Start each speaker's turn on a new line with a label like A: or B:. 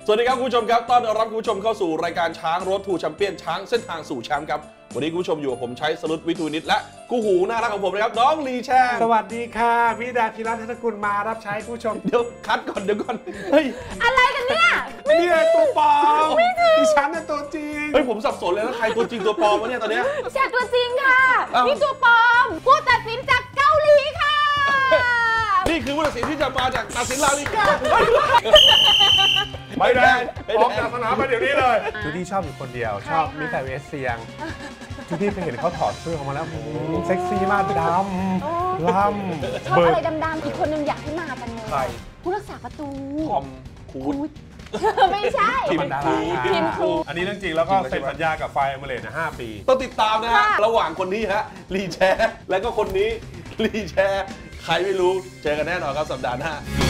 A: สวัสดีครับคุณผู้ชมครับต้อนรับคุณผู้ชมเข้าสู่รายการช้างรถทูแชมเปี้ยนช้างเส้นทางสู่แชมป์ครับวันนี้คุณผู้ชมอยู่กับผมใช้สรุปวิทูนิตและคู่หูน่ารักของผมนะครับน้องลีแชง
B: สวัสดีค่ะพี่ดาพิรัตน์ธนกุลมารับใช้ผู้ชม
A: เดี๋ยวคัดก่อนเดี๋ยวก่อนเฮ้ย
C: อะไรกันเนี่ย
B: นี่ตัวปลอมดิฉันน่ะตัวจริง
A: เฮ้ยผมสับสนเลยนะใครตัวจริงตัวปลอมวะเนี่ยตอนเนี้ย
C: แชร์ตัวจริงค่ะนี่ตัวปลอมผู้ตัดสินจากเกาหลีค่ะ
A: นี่คือผู้ตัดสินที่จะมาจากตัดสินลาลิก้า
B: ไม่ได้ออกจากสนามไปเดี๋ยวนี้เลยจูดี้ชอบอยู่คนเดียวชอบมิสเตอร์เวสเซียงจูดี้เคยเห็นเขาถอดเสื้อออกมาแล้วเซ็กซี่มากดำล่ำ
C: ชอบอะไรดำๆอีกคนนึงอยากให้มากันเลยผู้รักษาประตู
A: ทอมคูด
C: ไม่ใช่
B: ทีมดาราทีมครูอันนี้เรื่องจริงแล้วก็เซ็นสัญญากับไฟเอมิเรตส์5 ปี
A: ต้องติดตามนะฮะระหว่างคนนี้ฮะลีแชร์และก็คนนี้ลีแชร์ใครไม่รู้เจอกันแน่นอนครับสัปดาห์หน้า